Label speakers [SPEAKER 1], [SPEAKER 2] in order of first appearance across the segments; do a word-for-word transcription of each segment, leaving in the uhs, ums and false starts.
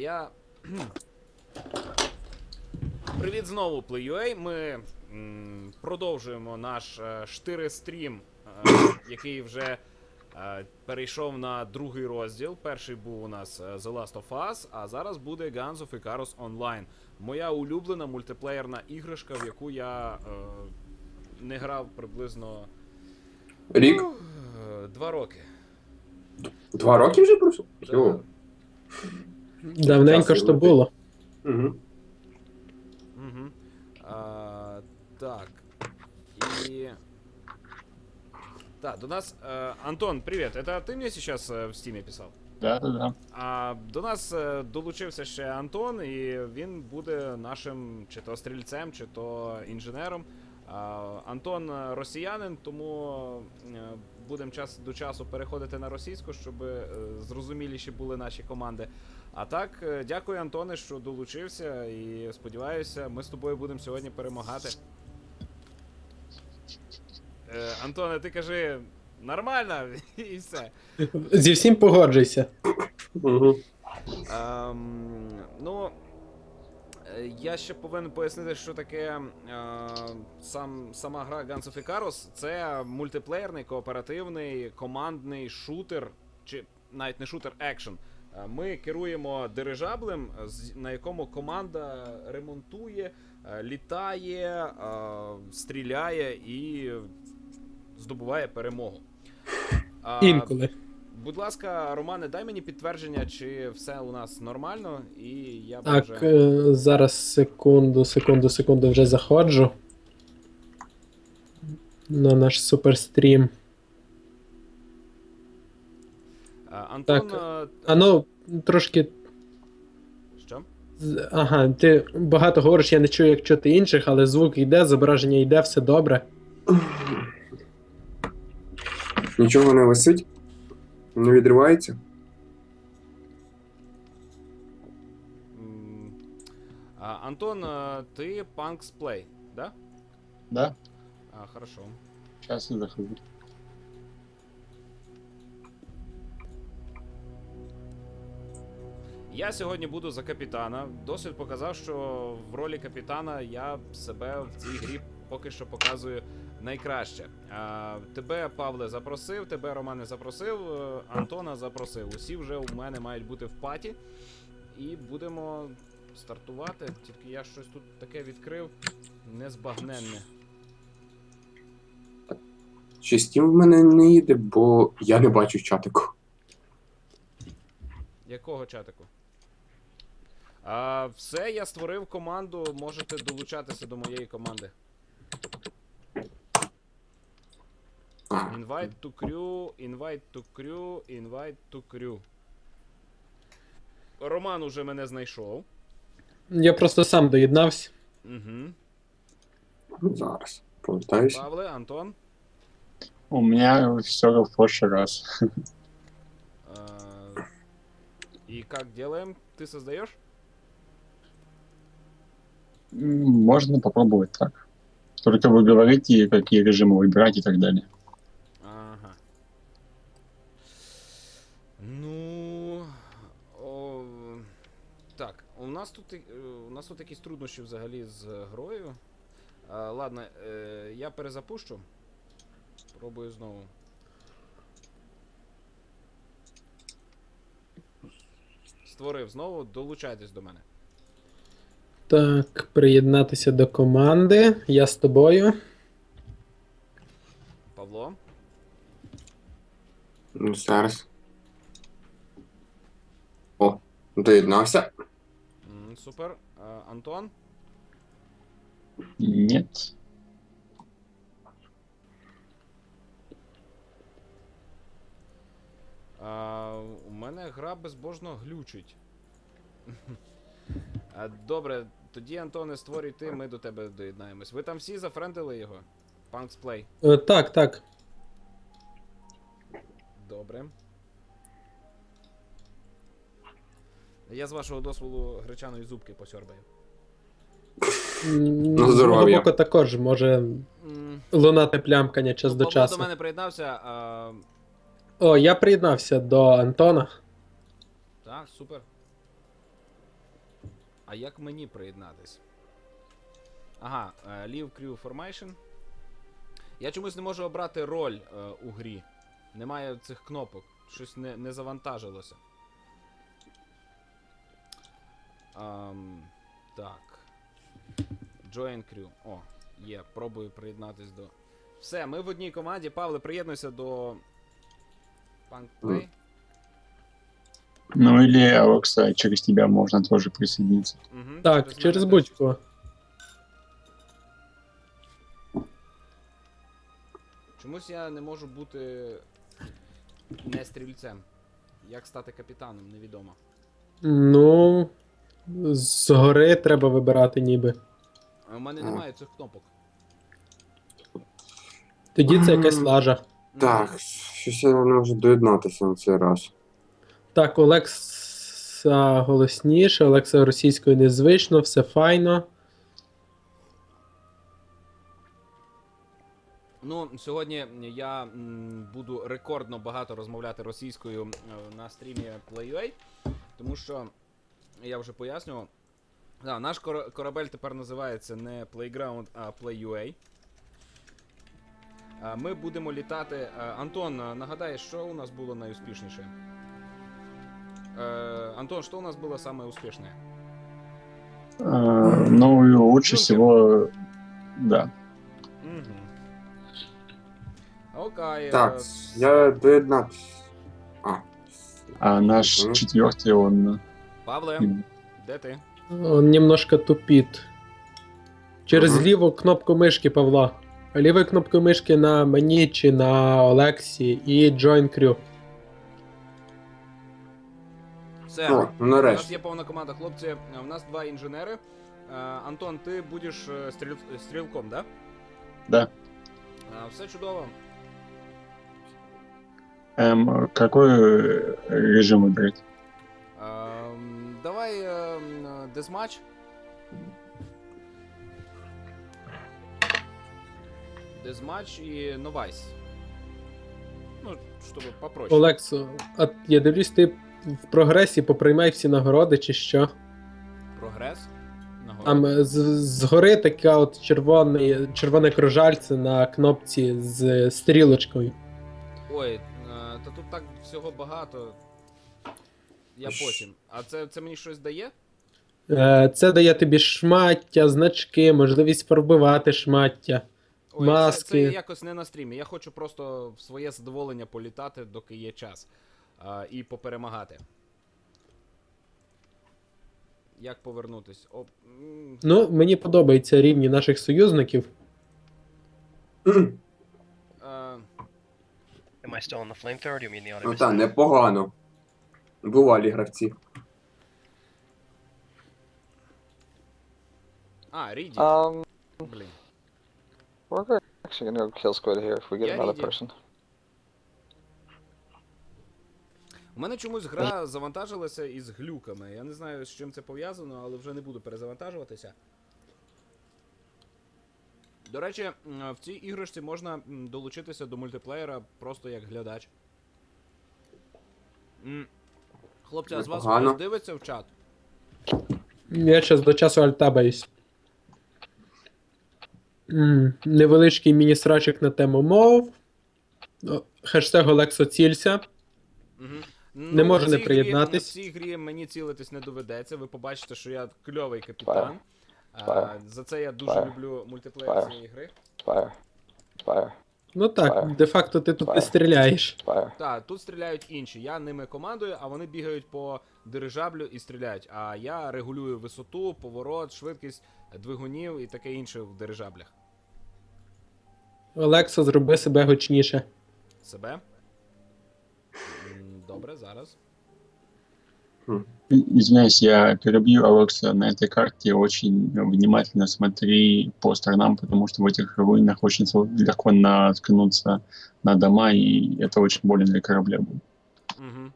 [SPEAKER 1] я... Привіт знову, PlayUA. Ми м, продовжуємо наш е, штири-стрім, е, який вже е, перейшов на другий розділ. Перший був у нас е, The Last of Us, а зараз буде Guns of Icarus Online. Моя улюблена мультиплеєрна іграшка, в яку я е, не грав приблизно...
[SPEAKER 2] Рік?
[SPEAKER 1] Е, два роки.
[SPEAKER 2] Два роки вже пройшло?
[SPEAKER 1] Да.
[SPEAKER 2] Йо.
[SPEAKER 3] Давненько
[SPEAKER 2] Час
[SPEAKER 3] ж то
[SPEAKER 2] летить.
[SPEAKER 3] було.
[SPEAKER 2] Угу.
[SPEAKER 1] Угу. А, так. И... Да, до нас... э, Антон, привет. Это ты мне сейчас э, в стиме писал?
[SPEAKER 4] Да, да, да.
[SPEAKER 1] А до нас е, долучився ще Антон, і він буде нашим чи то стрільцем, чи то інженером. А, Антон е, росіянин, тому е, будемо час до часу переходити на російську, щоб е, зрозуміліші були наші команди. А так, е, дякую, Антоне, що долучився, і сподіваюся, ми з тобою будемо сьогодні перемагати. Е, Антоне, ти кажи нормально, і все.
[SPEAKER 3] Зі всім погоджуйся.
[SPEAKER 2] Угу.
[SPEAKER 1] Ем, ну, е, я ще повинен пояснити, що таке е, сам, сама гра Guns of Icarus. Це мультиплеєрний, кооперативний, командний шутер, чи навіть не шутер, екшен. Е, Ми керуємо дирижаблем, з- на якому команда ремонтує, е, літає, е, стріляє і здобуває перемогу. А,
[SPEAKER 3] Інколи.
[SPEAKER 1] Будь ласка, Романе, дай мені підтвердження, чи все у нас нормально, і я б
[SPEAKER 3] Так,
[SPEAKER 1] вже...
[SPEAKER 3] е, зараз секунду, секунду, секунду вже заходжу. На наш суперстрім.
[SPEAKER 1] А, Антон...
[SPEAKER 3] так.
[SPEAKER 1] а,
[SPEAKER 3] А ну, трошки.
[SPEAKER 1] Що?
[SPEAKER 3] з- Ага, ти багато говориш, я не чую, як чути інших, але звук йде, зображення йде, все добре.
[SPEAKER 2] Нічого не висить? Не відривається?
[SPEAKER 1] М, а, Антон, а, ти Punks Play, да?
[SPEAKER 4] Да,
[SPEAKER 1] А, хорошо.
[SPEAKER 4] сейчас я захожу.
[SPEAKER 1] Я сьогодні буду за капітана. Досвід показав, що в ролі капітана я себе в цій грі поки що показую найкраще. А, тебе, Павле, запросив, тебе, Романе, запросив, е, Антона запросив. Усі вже у мене мають бути в паті. І будемо стартувати. Тільки я щось тут таке відкрив незбагненне.
[SPEAKER 2] Чи Steam в мене не їде, бо я не бачу чатику.
[SPEAKER 1] Якого чатику? А, все, я створив команду, можете долучатися до моєї команди. Invite to crew, invite to crew, invite to crew. Роман уже мене знайшов.
[SPEAKER 3] Я просто сам доєднався.
[SPEAKER 1] Угу.
[SPEAKER 2] Ну, зараз. Повертаюся.
[SPEAKER 1] Павле, Антон.
[SPEAKER 4] У меня все в прошлый раз.
[SPEAKER 1] А, и как делаем? Ты создаешь?
[SPEAKER 4] М, Можно попробовать так. Только вы говорите, какие режимы выбирать и так далее.
[SPEAKER 1] Ага. Ну. О, так, у нас тут і- е, у нас тут якісь труднощі взагалі з грою. А, ладно, е, я перезапущу. Пробую знову. Створив знову, долучайтесь до мене.
[SPEAKER 3] Так, приєднатися до команди. Я з тобою.
[SPEAKER 1] Павло.
[SPEAKER 2] Ну, зараз. О, доєднався.
[SPEAKER 1] М, супер. А, Антон.
[SPEAKER 4] Нет.
[SPEAKER 1] А, у мене гра безбожно глючить. А, добре, тоді, Антоне, створюй ти, ми до тебе доєднаємось. Ви там всі зафрендили його? Punks Play.
[SPEAKER 3] Е, так, так.
[SPEAKER 1] Добре. Я з вашого дозволу гречаної зубки посьорбаю.
[SPEAKER 3] М,
[SPEAKER 2] На
[SPEAKER 3] З мого
[SPEAKER 2] здоров'я.
[SPEAKER 3] боку також може
[SPEAKER 1] М,
[SPEAKER 3] лунати плямкання час
[SPEAKER 1] ну,
[SPEAKER 3] до
[SPEAKER 1] Павло
[SPEAKER 3] часу.
[SPEAKER 1] до мене приєднався. А,
[SPEAKER 3] О, я приєднався до Антона.
[SPEAKER 1] так, супер. як мені приєднатись? Ага, е, Leave Crew Formation. Я чомусь не можу обрати роль е, у грі. Немає цих кнопок. Щось не, не завантажилося. Ам, так. Join Crew. О, є. Пробую приєднатись до. Все, ми в одній команді. Павле, приєднуйся до. Punk Play.
[SPEAKER 4] Ну или, Алекса, через тебя можно тоже присоединиться.
[SPEAKER 1] Угу,
[SPEAKER 3] Так, через
[SPEAKER 1] мене теж.
[SPEAKER 3] будь-кого.
[SPEAKER 1] Чомусь я не можу бути не стрільцем. Як стати капітаном, невідомо.
[SPEAKER 3] Ну. Згори треба вибирати ніби.
[SPEAKER 1] А у мене
[SPEAKER 2] А.
[SPEAKER 1] немає цих кнопок.
[SPEAKER 3] Тоді це якась лажа.
[SPEAKER 2] Так, щось я не можу доєднатися на цей раз.
[SPEAKER 3] Так, Олекса голосніше, Олекса російською незвично, все файно.
[SPEAKER 1] Ну, сьогодні я м, буду рекордно багато розмовляти російською е, на стрімі PlayUA, тому що я вже пояснював. Да, наш кор- корабель тепер називається не Playground, а PlayUA. Е, Ми будемо літати. е, Антон, е, нагадай, що у нас було найуспішніше? Е, Антон, що у нас було саме успішне?
[SPEAKER 4] А, ну, и лучше
[SPEAKER 1] Джункер.
[SPEAKER 4] всего, да.
[SPEAKER 1] Угу. Окей.
[SPEAKER 2] Так,
[SPEAKER 1] е,
[SPEAKER 2] я доєднатися. А.
[SPEAKER 4] А наш
[SPEAKER 2] Мгм.
[SPEAKER 4] четвертый, он...
[SPEAKER 1] Павле,
[SPEAKER 4] м,
[SPEAKER 1] де ти?
[SPEAKER 3] Он немножко тупіт. Через
[SPEAKER 2] Ага.
[SPEAKER 3] ліву кнопку мишки Павла. Лівою кнопкою мишки на мені чи на Олексі і Join Crew.
[SPEAKER 1] Все.
[SPEAKER 2] О, ну
[SPEAKER 1] У нас
[SPEAKER 2] нарешті.
[SPEAKER 1] є повна команда, хлопці. е, У нас два інженери. Е, Антон, ти будеш е, стріл... стрілком, да?
[SPEAKER 4] Да.
[SPEAKER 1] Е, Все чудово.
[SPEAKER 4] Эм, какой э, режим выбрать?
[SPEAKER 1] Ем, Давай ем, дезматч. Дезматч і новайс. Ну, щоб попроще.
[SPEAKER 3] Олексо, а я дивлюсь, ти в прогресі поприймай всі нагороди чи що.
[SPEAKER 1] Прогрес. Нагород.
[SPEAKER 3] Там е, з- згори така от червоне, червоне кружальце на кнопці з стрілочкою.
[SPEAKER 1] Ой, е, та тут так всього багато. Я
[SPEAKER 2] Ш-
[SPEAKER 1] потім. А це, це мені щось дає?
[SPEAKER 3] Е, Це дає тобі шмаття, значки, можливість фарбувати шмаття.
[SPEAKER 1] Ой, це, це
[SPEAKER 3] Маски.
[SPEAKER 1] якось не на стрімі. Я хочу просто в своє задоволення політати, доки є час. А, і поперемагати. Як повернутись? О, м,
[SPEAKER 3] Ну, мені подобаються рівні наших союзників.
[SPEAKER 1] е,
[SPEAKER 5] Am I still on the flamethrower? Or do you mean the
[SPEAKER 2] Ну
[SPEAKER 5] auto
[SPEAKER 2] так, непогано. Бувалі гравці.
[SPEAKER 1] а, Ріді.
[SPEAKER 6] Um,
[SPEAKER 1] Блін.
[SPEAKER 6] we're actually gonna go kill squid here if we get
[SPEAKER 1] Yeah,
[SPEAKER 6] another
[SPEAKER 1] he did.
[SPEAKER 6] person.
[SPEAKER 1] У мене чомусь гра завантажилася із глюками. Я не знаю, з чим це пов'язано, але вже не буду перезавантажуватися. До речі, м, в цій іграшці можна м, долучитися до мультиплеєра просто як глядач. М, Хлопці, а з вас
[SPEAKER 2] Непогано.
[SPEAKER 1] хтось дивиться в чат?
[SPEAKER 3] Я зараз до часу альтабаюсь. М, Невеличкий міні-срачик на тему мов. О, Хештег Олексо цілься.
[SPEAKER 1] Угу.
[SPEAKER 3] Не можу
[SPEAKER 1] в
[SPEAKER 3] не
[SPEAKER 1] цій
[SPEAKER 3] приєднатись.
[SPEAKER 1] Грі, в цій грі мені цілитись не доведеться. Ви побачите, що я кльовий капітан. А,
[SPEAKER 6] Fire.
[SPEAKER 1] за це я дуже
[SPEAKER 6] Fire.
[SPEAKER 1] люблю мультиплеєр
[SPEAKER 6] Fire.
[SPEAKER 1] цієї гри.
[SPEAKER 6] Fire. Fire.
[SPEAKER 3] Ну так,
[SPEAKER 6] Фаєр.
[SPEAKER 3] де-факто ти тут не
[SPEAKER 6] Фаєр.
[SPEAKER 3] стріляєш.
[SPEAKER 6] Fire.
[SPEAKER 1] Так, тут стріляють інші. Я ними командую, а вони бігають по дирижаблю і стріляють. А я регулюю висоту, поворот, швидкість двигунів і таке інше в дирижаблях.
[SPEAKER 3] Олексо, зроби себе гучніше.
[SPEAKER 1] Себе? М, Добре, зараз.
[SPEAKER 4] И- Извиняюсь, я перебью, Алекса, на этой карте очень внимательно смотри по сторонам, потому что в этих руинах очень сл- легко наткнуться на дома, и это очень больно для корабля будет.
[SPEAKER 1] Угу.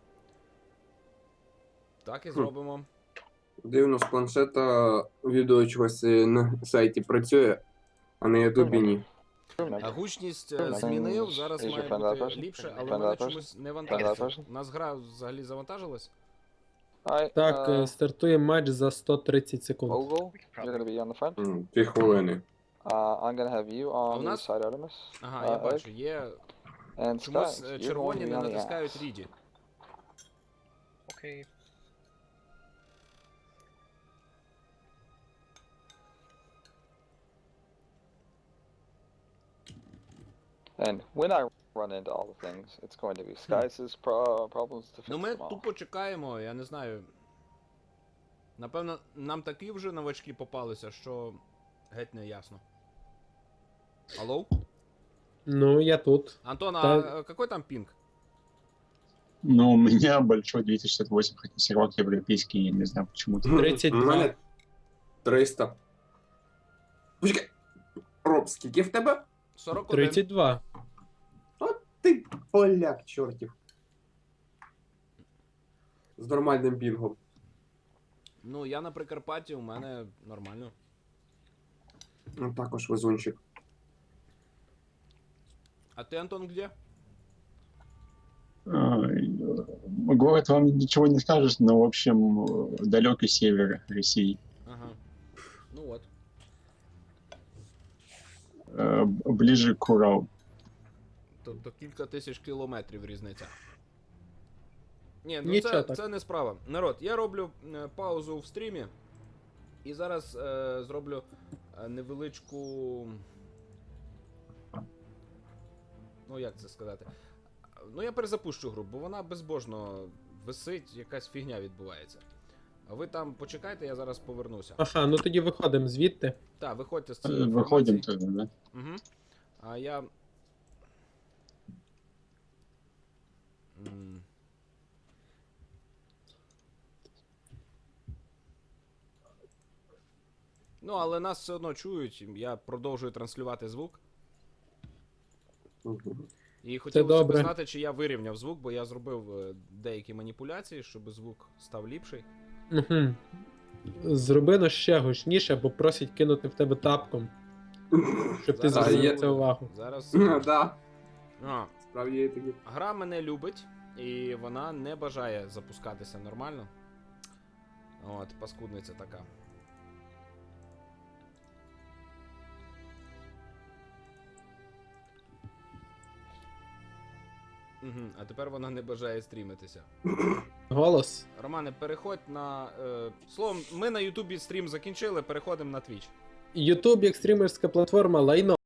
[SPEAKER 1] Так і зробимо.
[SPEAKER 2] Дивно, з планшета відео чогось е, на сайті працює, а на Ютубі ні.
[SPEAKER 1] А гучність е,
[SPEAKER 6] Fine.
[SPEAKER 1] змінив, зараз
[SPEAKER 6] Is your
[SPEAKER 1] має
[SPEAKER 6] friend that
[SPEAKER 1] бути
[SPEAKER 6] person?
[SPEAKER 1] ліпше,
[SPEAKER 6] Is
[SPEAKER 1] але
[SPEAKER 6] your
[SPEAKER 1] в мене
[SPEAKER 6] friend that
[SPEAKER 1] чомусь не
[SPEAKER 6] Friend that
[SPEAKER 1] вантажиться.
[SPEAKER 6] person?
[SPEAKER 1] У нас гра взагалі завантажилась?
[SPEAKER 6] Alright,
[SPEAKER 3] Так,
[SPEAKER 6] uh,
[SPEAKER 3] е, стартує матч за сто тридцять секунд.
[SPEAKER 6] Ogle,
[SPEAKER 5] We could
[SPEAKER 6] you're
[SPEAKER 5] probably.
[SPEAKER 6] gonna be on the front.
[SPEAKER 2] М, Дві хвилини.
[SPEAKER 6] Uh, I'm gonna have you
[SPEAKER 1] А у
[SPEAKER 6] on the
[SPEAKER 1] нас-
[SPEAKER 6] side Artemis.
[SPEAKER 1] Ага,
[SPEAKER 6] uh,
[SPEAKER 1] я
[SPEAKER 6] Egg.
[SPEAKER 1] бачу, є.
[SPEAKER 6] And
[SPEAKER 1] Чомусь
[SPEAKER 6] Skaggs,
[SPEAKER 1] е,
[SPEAKER 6] you're going
[SPEAKER 1] червоні
[SPEAKER 6] to be
[SPEAKER 1] не
[SPEAKER 6] on the
[SPEAKER 1] натискають
[SPEAKER 6] ass.
[SPEAKER 1] ріді.
[SPEAKER 5] Okay.
[SPEAKER 6] And when I run into all the things, it's going to be Skaggs' pro- problems to fix
[SPEAKER 1] Ну ми
[SPEAKER 6] them all.
[SPEAKER 1] тупо чекаємо, я не знаю. Напевно, нам такі вже новачки попалися, що геть не ясно. Алло?
[SPEAKER 3] Ну, я тут.
[SPEAKER 1] Антон, а
[SPEAKER 3] Та-
[SPEAKER 1] е, какой там пінг?
[SPEAKER 4] Ну, у меня большой двести шестьдесят восемь, хотя сервак европейский, я не знаю почему-то.
[SPEAKER 3] тридцять два.
[SPEAKER 2] У мене триста. Почекай. Роб, скільки в тебе?
[SPEAKER 1] сорок один.
[SPEAKER 3] тридцять два.
[SPEAKER 2] Ти поляк, чортів. З нормальним пінгом.
[SPEAKER 1] Ну, я на Прикарпатті, у мене нормально.
[SPEAKER 2] Ну, також везунчик.
[SPEAKER 1] А ти, Антон, где?
[SPEAKER 4] Ай, э, Город вам ничего не скажешь, но, в общем, э, далекий север России.
[SPEAKER 1] Ага. Ну от.
[SPEAKER 4] Э, б- Ближе к Уралу.
[SPEAKER 1] Тобто кілька тисяч кілометрів різниця. Ні, ну
[SPEAKER 3] Нічого
[SPEAKER 1] це,
[SPEAKER 3] так.
[SPEAKER 1] це не справа. Народ, я роблю е, паузу в стрімі. І зараз е, зроблю е, невеличку. Ну, як це сказати? Ну, я перезапущу гру, бо вона безбожно висить, якась фігня відбувається. А ви там почекайте, я зараз повернуся.
[SPEAKER 3] Ага, ну тоді виходимо звідти.
[SPEAKER 1] Так, виходьте з
[SPEAKER 4] Э,
[SPEAKER 1] цієї
[SPEAKER 4] Выходим
[SPEAKER 1] інформації.
[SPEAKER 4] тоже, да?
[SPEAKER 1] Угу. А я. М. Ну, але нас все одно чують. Я продовжую транслювати звук.
[SPEAKER 2] Мгм.
[SPEAKER 1] І хотілося б
[SPEAKER 3] добре.
[SPEAKER 1] знати, чи я вирівняв звук, бо я зробив е, деякі маніпуляції, щоб звук став ліпший.
[SPEAKER 3] Угу. Зроби но ще гучніше, бо просять кинути в тебе тапком, щоб ти
[SPEAKER 1] Зараз
[SPEAKER 3] звернув
[SPEAKER 2] є-
[SPEAKER 3] на це увагу.
[SPEAKER 1] Зараз.
[SPEAKER 2] Да,
[SPEAKER 1] А,
[SPEAKER 2] справді є такі.
[SPEAKER 1] гра мене любить, і вона не бажає запускатися нормально. От, паскудниця така. Угу, а тепер вона не бажає стрімитися.
[SPEAKER 3] Голос.
[SPEAKER 1] Романе, переходь на. Е, словом, ми на Ютубі стрім закінчили, переходимо на Twitch.
[SPEAKER 3] Ютуб як стрімерська платформа лайно.